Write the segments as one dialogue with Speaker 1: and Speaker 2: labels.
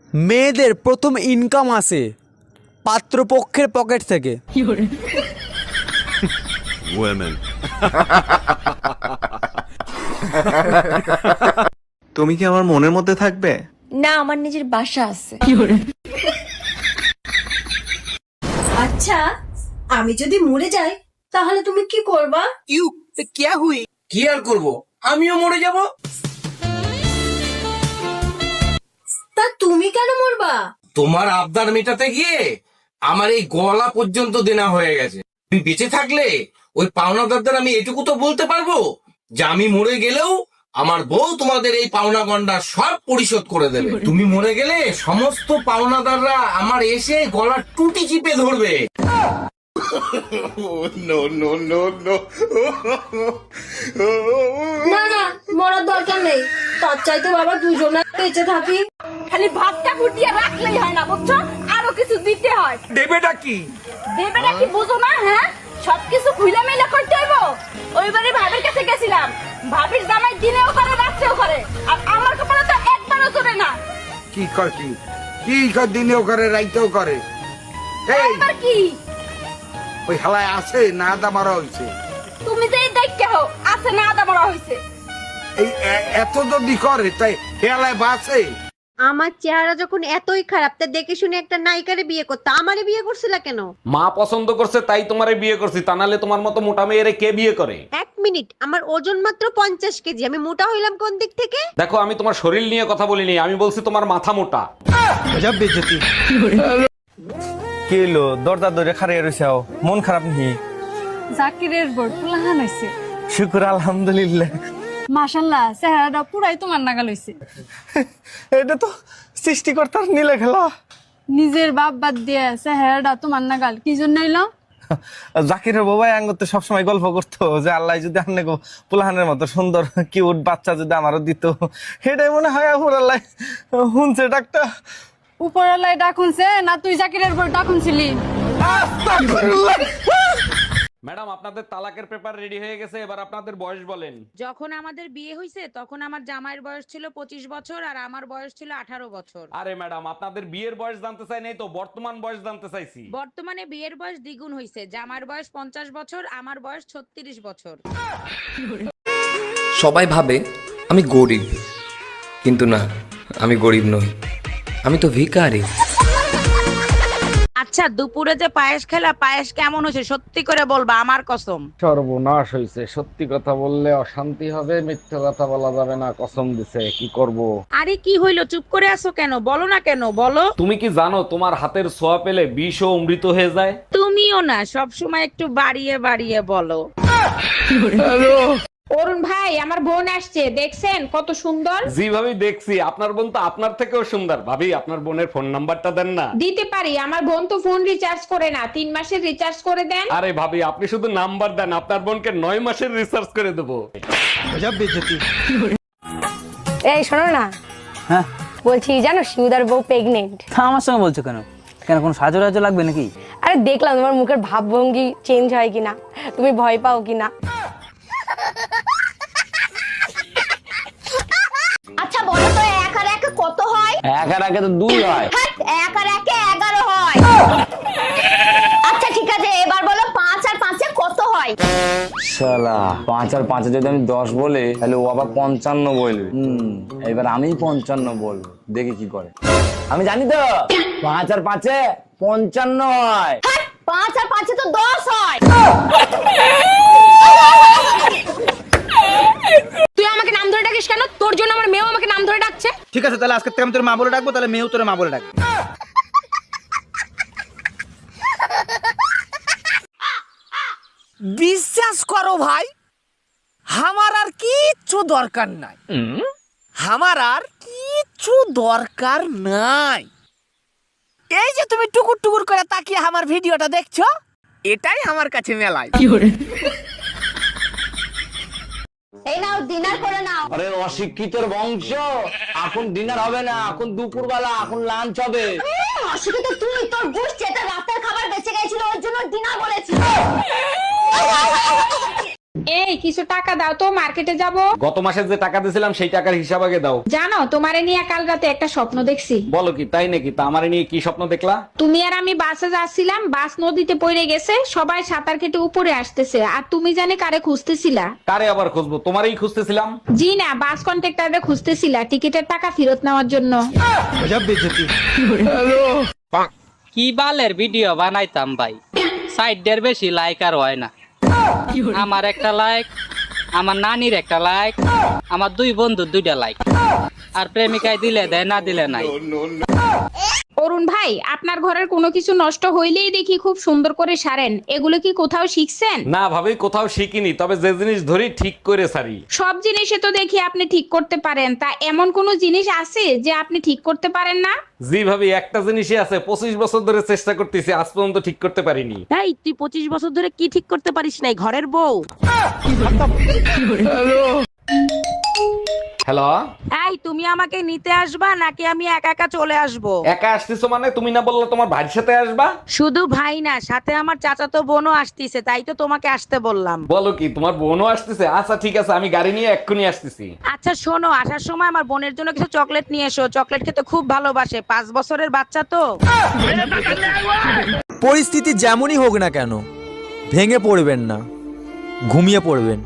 Speaker 1: মেয়েদের প্রথম ইনকাম আসে পাত্রপক্ষের পকেট থেকে।
Speaker 2: Women.
Speaker 3: তুমি কি আমার মনের মধ্যে থাকবে?
Speaker 4: না, আমার নিজের বাসা আছে।
Speaker 5: আচ্ছা, আমি যদি মরে যাই তাহলে তুমি কি করবা?
Speaker 6: কি আর করবো, আমিও মরে যাব।
Speaker 5: তা তুমি কেন মরবা?
Speaker 6: তোমার আবদার মেটাতে গিয়ে আমার এই গলা পর্যন্ত দেনা হয়ে গেছে। তুমি বেঁচে থাকলে ওই পাওনাদারদের আমি এটুকু তো বলতে পারবো যে আমি মরে গেলেও আমার বউ তোমাদের এই পাওনা গন্ডা সব পরিশোধ করে দেবে। তুমি মরে গেলে সমস্ত পাওনাদাররা আমার এসে গলার টুটি চিপে ধরবে।
Speaker 5: না না, মরার দরকার নেই। তার চাইতে বাবা দুজনে বেঁচে থাকি।
Speaker 4: খালি ভাতটা ফুটিয়ে রাখলেই হয় না, বুঝছো? আরো কিছু দিতে হয়।
Speaker 6: দেবেটা কি?
Speaker 4: দেবেটা কি বুঝো না? হ্যাঁ, সবকিছু খুইলা মেলা করতে হইব। ওইবারে ভাবির কাছে গেছিলাম, ভাবির জামাই দিনেও করে রাত্রেও করে, আর আমার কপালে তো একবারও চলে না।
Speaker 7: কি কর দিনেও করে রাইতেও করে। এই
Speaker 4: এবার কি
Speaker 7: ওই হালায় আছে না দা মারা হয়েছে।
Speaker 4: তুমি যে দেখতে হো আছে না আদা বড় হইছে।
Speaker 7: এই এত যদি করে তাই হেলায় বাঁচে।
Speaker 8: আমার চেহারা যখন এতই খারাপ, তা দেখে শুনে একটা নায়িকারে বিয়ে করতে আমারে বিয়ে করছিলা কেন?
Speaker 9: মা পছন্দ করছে তাই তোমারে বিয়ে করছি, তা নাহলে তোমার মতো মোটা মেয়েরে কে বিয়ে করে?
Speaker 8: এক মিনিট, আমার ওজন মাত্র 50 কেজি, আমি মোটা হইলাম কোন দিক থেকে?
Speaker 9: দেখো, আমি তোমার শরীর নিয়ে কথা বলিনি, আমি বলছি তোমার মাথা মোটা।
Speaker 1: কি হলো দরজা ধরে খাড়িয়ে রইছাও, মন খারাপ নেই?
Speaker 10: জাকিরের বড় পুলাহান হইছে।
Speaker 1: শুকুর আলহামদুলিল্লাহ।
Speaker 10: মাশাআল্লাহ, চেহারাটা পুরাই তোমার নাগাল হইছে।
Speaker 1: এটা তো সৃষ্টিকর্তার নীলে খেলা।
Speaker 10: নিজের বাপ বাদ দিয়ে চেহারাটা তোমার নাগাল কি জন্য হইলো?
Speaker 1: জাকিরের বাবাই আঙ্গতে সবসময় গল্প করতো যে আল্লাহ যদি আন্নে পুলাহানের মতো সুন্দর কিউট বাচ্চা যদি আমারও দিত, এটাই মনে হয় আল্লাহ শুনছে ডাকটা।
Speaker 10: উপরালায় ডাকুনছে না তুই জাকিরের বড় ডাকুনছিলি?
Speaker 9: ম্যাডাম, আপনাদের তালাকের পেপার রেডি হয়ে গেছে, এবার আপনাদের বয়স বলেন।
Speaker 11: যখন আমাদের বিয়ে হয়েছে তখন আমার জামাইয়ের বয়স ছিল 25 বছর আর আমার বয়স ছিল 18 বছর।
Speaker 9: আরে ম্যাডাম, আপনাদের বিয়ের বয়স জানতে চাই নাই তো, বর্তমান বয়স জানতে চাইছি।
Speaker 11: বর্তমানে বিয়ের বয়স দ্বিগুণ হয়েছে, জামাইয়ের বয়স 50 বছর, আমার বয়স 36 বছর।
Speaker 12: সবাই ভাবে আমি গরিব, কিন্তু না, আমি গরিব নই, আমি তো ভিখারি।
Speaker 11: আচ্ছা, দুপুরে যে পায়েস খেলা, পায়েস কেমন হয়েছে সত্যি করে বলবা, আমার কসম।
Speaker 6: সর্বনাশ হয়েছে, সত্যি কথা বললে অশান্তি হবে, মিথ্যা কথা বলা যাবে না, কসম দিছে। কি করব?
Speaker 11: আরে কি হইলো, চুপ করে আছো কেন? বলো না কেন, বলো।
Speaker 9: তুমি কি জানো তোমার হাতের ছোঁয়া পেলে বিষ ও অমৃত হয়ে যায়?
Speaker 11: তুমিও না সব সময় একটু বাড়িয়ে বাড়িয়ে বলো। অরুণ ভাই, আমার বোন আসছে, দেখছেন কত সুন্দর?
Speaker 9: জি ভাবি, দেখছি। আপনার বোন তো আপনার থেকেও সুন্দর। ভাবি, আপনার বোনের ফোন নাম্বারটা দেন না।
Speaker 11: দিতে পারি, আমার বোন তো ফোন রিচার্জ করে না, 3 মাসের রিচার্জ করে দেন।
Speaker 9: আরে ভাবি, আপনি শুধু নাম্বার দেন, আপনার বোনকে 9 মাসের রিসার্চ করে দেবো।
Speaker 4: এই শোনো না,
Speaker 1: হ্যাঁ
Speaker 4: বলছি জানো শিউদার বউ প্রেগনেন্ট।
Speaker 1: আমার সঙ্গে বলছো কেন? কেন কোনো সাহায্য টাহাজ্য লাগবে নাকি?
Speaker 4: আরে দেখলাম তোমার মুখের ভাবভঙ্গি চেঞ্জ হয় কিনা, তুমি ভয় পাও কিনা।
Speaker 8: আচ্ছা বলো তো, 1 আর 1 কত হয়?
Speaker 9: 1 আর 1 তো 2 হয়।
Speaker 8: 1 আর 1 11 হয়। আচ্ছা ঠিক আছে, এবার বলো 5 আর 5 কত হয়?
Speaker 12: শালা, 5 আর 5 যদি আমি 10 বলি তাহলে ও আবার 55 বলবে। এবার আমি 55 বলবো, দেখি কি করে। আমি জানি তো 5 আর 5 55 হয়।
Speaker 8: 5 আর 5 তো 10 হয়।
Speaker 4: তুই আমাকে নাম ধরে ডাকিস কেন? তোর জন্য আমার মেয়েও আমাকে নাম ধরে ডাকছে।
Speaker 1: ঠিক আছে, তাহলে আজকে থেকে আমি তোর মা বলে ডাকবো, তাহলে মেয়েও তোর মা বলে ডাকবে।
Speaker 6: বিশ্বাস করো ভাই, আমার আর কিচ্ছু দরকার নাই, আমার আর কিচ্ছু দরকার নাই। এই যে তুমি টুকুর টুকুর করে তাকিয়ে আমার ভিডিওটা দেখছো, এটাই আমার কাছে মেলায়।
Speaker 8: এই নাও, ডিনার করে নাও।
Speaker 12: আরে অশিক্ষিতর বংশ, এখন ডিনার হবে না, এখন দুপুরবেলা, এখন লাঞ্চ হবে।
Speaker 8: অশিক্ষিত তুই, তোর গোষ্ঠী, এটা রাতের খাবার বেঁচে গেছিল ওর জন্য ডিনার বলেছি।
Speaker 11: এই কিছু টাকা দাও তো, মার্কেটে যাব।
Speaker 9: গত মাসে যে টাকা দিয়েছিলাম সেই টাকার হিসাব আগে দাও।
Speaker 11: জানো তোমারে নিয়ে কাল রাতে একটা স্বপ্ন দেখছি।
Speaker 9: বলো কি, তাই নাকি? তা আমারে নিয়ে কি স্বপ্ন দেখলা?
Speaker 11: তুমি আর আমি বাসে যাচ্ছিলাম, বাস নদীতে পড়ে গেছে, সবাই সাঁতার কেটে উপরে আসতেছে, আর তুমি জানি কারে খুঁজতেছিলা।
Speaker 9: কারে আবার খুঁজবো? তোমারই খুঁজতেছিলাম।
Speaker 11: জি না, বাস কন্ট্রাক্টরে খুঁজতেছিলা টিকিটের টাকা ফেরত নেওয়ার জন্য।
Speaker 2: কি বালের ভিডিও বানাইতাম ভাই, সাইডের বেশি লাইক আর হয় না। আমার একটা লাইক, আমার নানির একটা লাইক, আমার দুই বন্ধুর 2টা লাইক, আর প্রেমিকায় দিলে দেয়, না দিলে নাই।
Speaker 11: অরুণ ভাই, আপনার ঘরের কোনো কিছু নষ্ট হইলেই দেখি খুব সুন্দর করে সারেন, এগুলো কি কোথাও শিখছেন?
Speaker 9: না ভাবি, কোথাও শিখিনি, তবে যে জিনিস ধরি ঠিক করে সারি।
Speaker 11: সব জিনিসে তো দেখি আপনি ঠিক করতে পারেন, তা এমন কোন জিনিস আছে যে আপনি ঠিক করতে পারেন না?
Speaker 9: জি ভাবি, একটা জিনিসই আছে, 25 বছর ধরে চেষ্টা করতেছি, আজ পর্যন্ত ঠিক করতে পারিনি।
Speaker 4: এই তুই 25 বছর ধরে কি ঠিক করতে পারিস নাই? ঘরের বউ।
Speaker 9: হ্যালো,
Speaker 4: এই তুমি আমাকে নিতে আসবা নাকি আমি একা একা চলে আসবো?
Speaker 9: একা আসতেছো মানে? তুমি না বললে তোমার ভাইয়ের সাথে আসবা?
Speaker 4: শুধু ভাই না, সাথে আমার চাচাতো বোনও আসতিছে, তাই তো তোমাকে আসতে বললাম।
Speaker 9: বলো কি, তোমার বোনও আসতেছে? আচ্ছা ঠিক আছে, আমি গাড়ি নিয়ে এক্ষুনি আসতেছি।
Speaker 4: আচ্ছা শোনো, আসার সময় আমার বোনের জন্য কিছু চকলেট নিয়ে এসো, চকলেট খেতে খুব ভালোবাসে, 5 বছরের বাচ্চা তো।
Speaker 1: পরিস্থিতি যেমনই হোক না কেন, ভেঙে পড়বেন না, ঘুমিয়ে পড়বেন।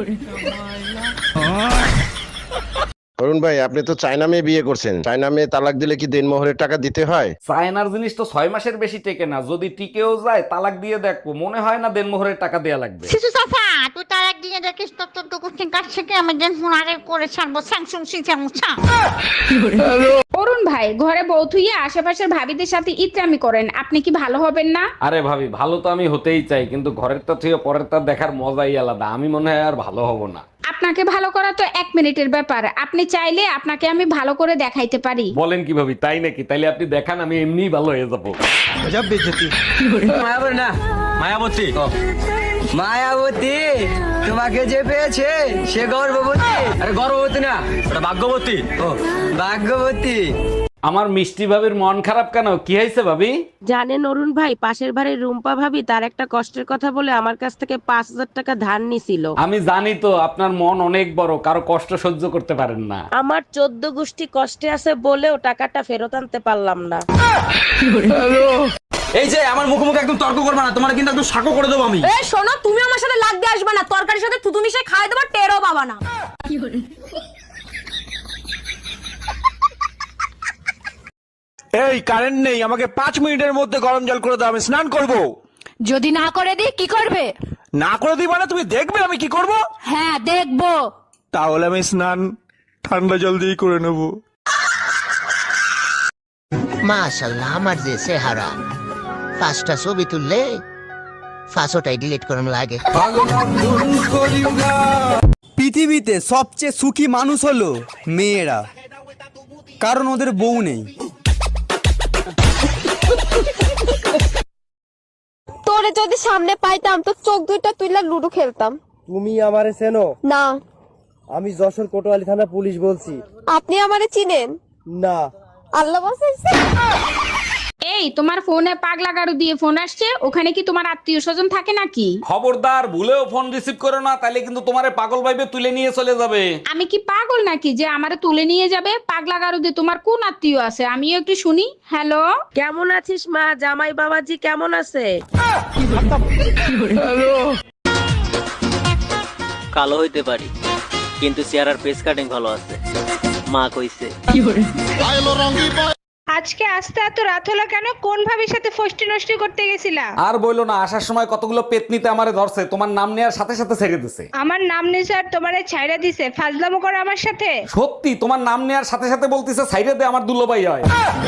Speaker 13: অরুণ ভাই, আপনি তো চায়না মেয়ে বিয়ে করছেন, চায়না মেয়ে তালাক দিলে কি দেনমোহরের টাকা দিতে হয়?
Speaker 9: চায়নার জিনিস তো 6 মাসের বেশি টেকে না, যদি টিকেও যায় তালাক দিয়ে দেখবো, মনে হয় না দেনমোহরের টাকা দেয়া লাগবে।
Speaker 8: শিশু চাচা, তুই তার একদিনে দেখিস তোর তো কুচিং কাছ থেকে আমি দেন ফোনারে করে ছাড়বো স্যাংসুং সিংসা।
Speaker 11: অরুণ ভাই, ঘরে বউ থুইয়ে আশেপাশের ভাবিদের সাথে ইত্রামি করেন, আপনি কি ভালো হবেন না?
Speaker 9: আরে ভাবি, ভালো তো আমি হতেই চাই, কিন্তু ঘরের তা থেকে পরের তা দেখার মজাই আলাদা। আমি মনে হয় আর ভালো হব না।
Speaker 11: আপনাকে ভালো করা তো 1 মিনিটের ব্যাপার, আপনি চাইলে আপনাকে আমি ভালো করে দেখাইতে পারি।
Speaker 9: বলেন কি ভাবি, তাই নাকি? তাইলে আপনি দেখান, আমি এমনিই ভালো হয়ে যাবো।
Speaker 1: মায়াবতী, মায়াবতী, তোমাকে যে পেয়েছে সে গর্ভবতী। আরে গর্ভবতী না, ওটা ভাগ্যবতী। ও ভাগ্যবতী।
Speaker 9: আমার মিষ্টি ভাবির মন খারাপ কেন? কি হয়েছে ভাবি?
Speaker 4: জানেন অরুণ ভাই, পাশের বাড়ির রুম্পা ভাবি তার একটা কষ্টের কথা বলে আমার কাছ থেকে 5000 টাকা ধার নিছিল।
Speaker 9: আমি জানি তো, আপনার মন অনেক বড়, কারো কষ্ট সহ্য করতে পারেন না।
Speaker 4: আমার 14 গোষ্ঠী কষ্টে আছে বলেও টাকাটা ফেরত আনতে পারলাম না।
Speaker 1: এই যে আমার মুখোমুখি একদম তর্ক করবে না, তোমার কিন্তু একদম সাকো করে দেবো আমি।
Speaker 5: এই শোনো, তুমি আমার সাথে লাগতে আসবে না, তরকারির সাথে থুতু মিশিয়ে খাই দেবো, টেরও পাবা না।
Speaker 7: এই কারেন্ট নেই, আমাকে 5 মিনিটের মধ্যে গরম জল করে দাও, আমি স্নান করব।
Speaker 5: যদি না করে দিই কি করবে?
Speaker 7: না করে দিই মানে তুমি দেখবে আমি কি করব?
Speaker 5: হ্যাঁ দেখবো।
Speaker 7: তাহলে আমি স্নান ঠান্ডা জল দিয়ে করে নেব।
Speaker 2: মাশাআল্লাহ, আমার যে চেহারা, 5টা ছবি তুললে 5টাই ডিলিট করুন লাগে।
Speaker 1: পৃথিবীতে সবচেয়ে সুখী মানুষ হলো মেয়েরা, কারণ ওদের বউ নেই।
Speaker 5: তোরে যদি সামনে পাইতাম তো চোখ দুইটা তুইলা লুডো খেলতাম।
Speaker 1: তুমি আমারে চেনো?
Speaker 5: না।
Speaker 1: আমি যশোর কোতোয়ালি থানা পুলিশ বলছি।
Speaker 5: আপনি আমারে চিনেন?
Speaker 1: না।
Speaker 5: আল্লাহ বাঁচাইছে।
Speaker 11: এই তোমার ফোনে পাগলা গাড়ু দিয়ে ফোন আসছে, ওখানে কি তোমার আত্মীয় স্বজন থাকে নাকি?
Speaker 9: খবরদার, ভুলেও ফোন রিসিভ করো না, তাইলে কিন্তু তোমারে পাগল ভাইবে তুলে নিয়ে চলে যাবে।
Speaker 11: আমি কি পাগল নাকি যে আমারে তুলে নিয়ে যাবে? পাগলা গাড়ু দিয়ে তোমার কোন আত্মীয় আছে আমিও একটু শুনি। হ্যালো,
Speaker 4: কেমন আছিস মা? জামাই বাবাজি কেমন আছে?
Speaker 2: কালো হইতে পারি, কিন্তু চেহারার ফেস কাটিং ভালো আছে, মা কইছে।
Speaker 11: আজকে আসতে এত রাত হলো কেন? কোন ভাবির সাথে ফষ্টি নষ্টি করতে গেছিলা?
Speaker 9: আর বইলো না, আসার সময় কতগুলো পেতনিতে আমারে ধরছে, তোমার নাম নেওয়ার সাথে সাথে ছেড়ে দিছে।
Speaker 11: আমার নাম নিছে আর তোমারে ছাইড়া দিছে? ফাজলামো করো আমার সাথে?
Speaker 9: সত্যি, তোমার নাম নেওয়ার সাথে সাথে বলতিছে সাইডে দে, আমার দুলোভাই হয়।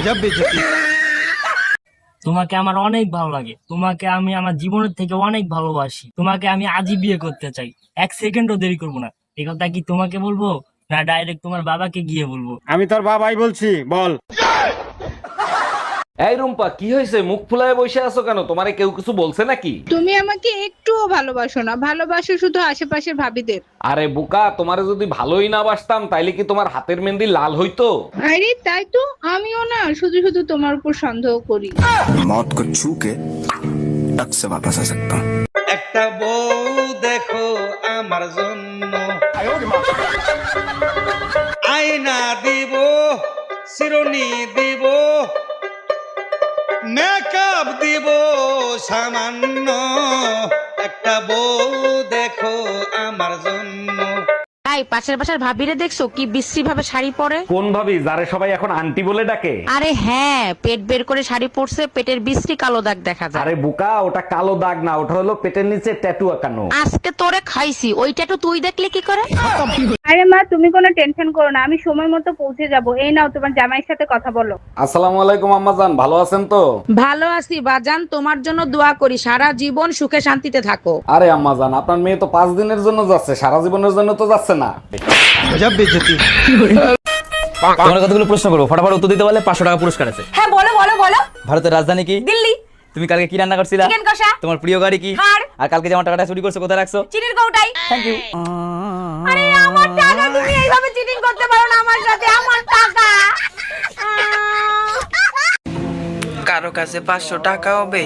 Speaker 2: তোমাকে আমার অনেক ভালো লাগে, তোমাকে আমি আমার জীবনের থেকে অনেক ভালোবাসি, তোমাকে আমি আজই বিয়ে করতে চাই, 1 সেকেন্ডও দেরি করবো না। এই কথা কি তোমাকে বলবো না ডাইরেক্ট তোমার বাবাকে গিয়ে বলবো?
Speaker 7: আমি তোর বাবাই বলছি, বল।
Speaker 9: এই রুম্পা, কি হয়েছে? মুখ ফুলায় বসে আছো কেন? তোমারে কেউ কিছু বলছে নাকি?
Speaker 11: তুমি আমাকে একটুও ভালোবাসো না, ভালোবাসো শুধু আশেপাশের ভাবিদের।
Speaker 9: আরে বোকা, তোমারে যদি ভালোই না বাসতাম তাইলে কি তোমার হাতের মেহেন্দি লাল হইতো?
Speaker 11: আরে তাই তো, আমিও না শুধু শুধু তোমার উপর সন্দেহ করি।
Speaker 3: मौत को छू के टक से वापस आ सकता हूँ।
Speaker 1: একটা বউ দেখো আমার জন্য আয়না দিব শিরোনি দিব মেকআপ দিব সামান্য একটা বউ দেখো আমার জন্য।
Speaker 11: তাই পাশের বাসার ভাবিরে দেখছো কি বিশ্রী ভাবে শাড়ি পরে?
Speaker 9: কোন ভাবি যারে সবাই এখন আন্টি বলে ডাকে?
Speaker 11: আরে হ্যাঁ, পেট বের করে শাড়ি পরছে, পেটের বিশ্রী কালো দাগ দেখা যায়।
Speaker 9: আরে বুকা, ওটা কালো দাগ না, ওটা হলো পেটের নিচে ট্যাটু আঁকানো।
Speaker 11: আজকে তোরে খাইছি, ওইটা তো তুই দেখলে কি করে?
Speaker 10: আরে মা তুমি কোনো টেনশন করো না, আমি সময় মতো পৌঁছে যাব। এই নাও তোমার জামাইয়ের সাথে কথা বলো।
Speaker 9: আসসালামু আলাইকুম আম্মাজান, ভালো আছেন তো?
Speaker 11: ভালো আছি বাজান, তোমার জন্য দোয়া করি সারা জীবন সুখে শান্তিতে থাকো।
Speaker 9: আরে আম্মাজান, আপনার মেয়ে তো 5 দিনের জন্য যাচ্ছে, সারা জীবনের জন্য তো যাচ্ছে না।
Speaker 12: তোমার কতগুলো প্রশ্ন করবো, ফটাফট উত্তর দিতে পারলে 500 টাকা পুরস্কার আছে।
Speaker 4: হ্যাঁ বলো বলো বলো।
Speaker 12: ভারতের রাজধানী কি?
Speaker 4: দিল্লি।
Speaker 12: তুমি কালকে কি রান্না করছিলা?
Speaker 4: চিকেন কষা।
Speaker 12: তোমার প্রিয় গাড়ি কি?
Speaker 4: থার।
Speaker 12: আর কালকে যে আমার টাকাটা চুরি করছো কোথায় রাখছো?
Speaker 4: চিনির কৌটাই।
Speaker 12: Thank you.
Speaker 4: আরে আমার টাকা, তুমি এইভাবে চিটিং করতে পারো না আমার সাথে, আমার টাকা।
Speaker 1: কারো কাছে 500 টাকা হবে?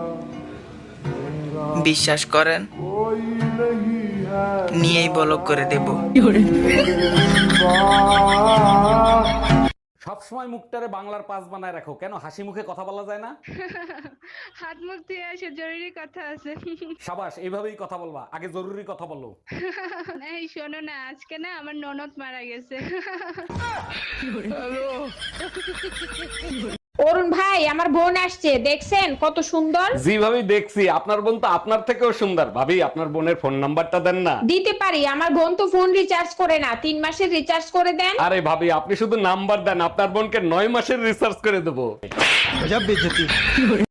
Speaker 1: বিশ্বাস করেন, নিয়েই ব্লক করে দেব।
Speaker 9: সবসময় মুখটারে বাংলার পাস বানায় রাখো, কেন হাসি মুখে কথা বলা যায় না?
Speaker 10: হাত মুখ ধুয়ে আসে, জরুরি কথা আছে।
Speaker 9: সাবাস, এইভাবেই কথা বলবা, আগে জরুরি কথা বলো।
Speaker 10: এই শোনো না, আজকে না আমার ননদ মারা গেছে।
Speaker 11: অরুণ ভাই, আমার বোন আসছে, দেখছেন কত সুন্দর?
Speaker 9: জি ভাবি দেখছি, আপনার বোন তো আপনার থেকেও সুন্দর। ভাবি আপনার বোনের ফোন নাম্বারটা দেন না।
Speaker 11: দিতে পারি, আমার বোন তো ফোন রিচার্জ করে না, 3 মাসের রিচার্জ করে দেন।
Speaker 9: আরে ভাবি, আপনি শুধু নাম্বার দেন, আপনার বোনকে 9 মাসের রিসার্চ করে দেবো।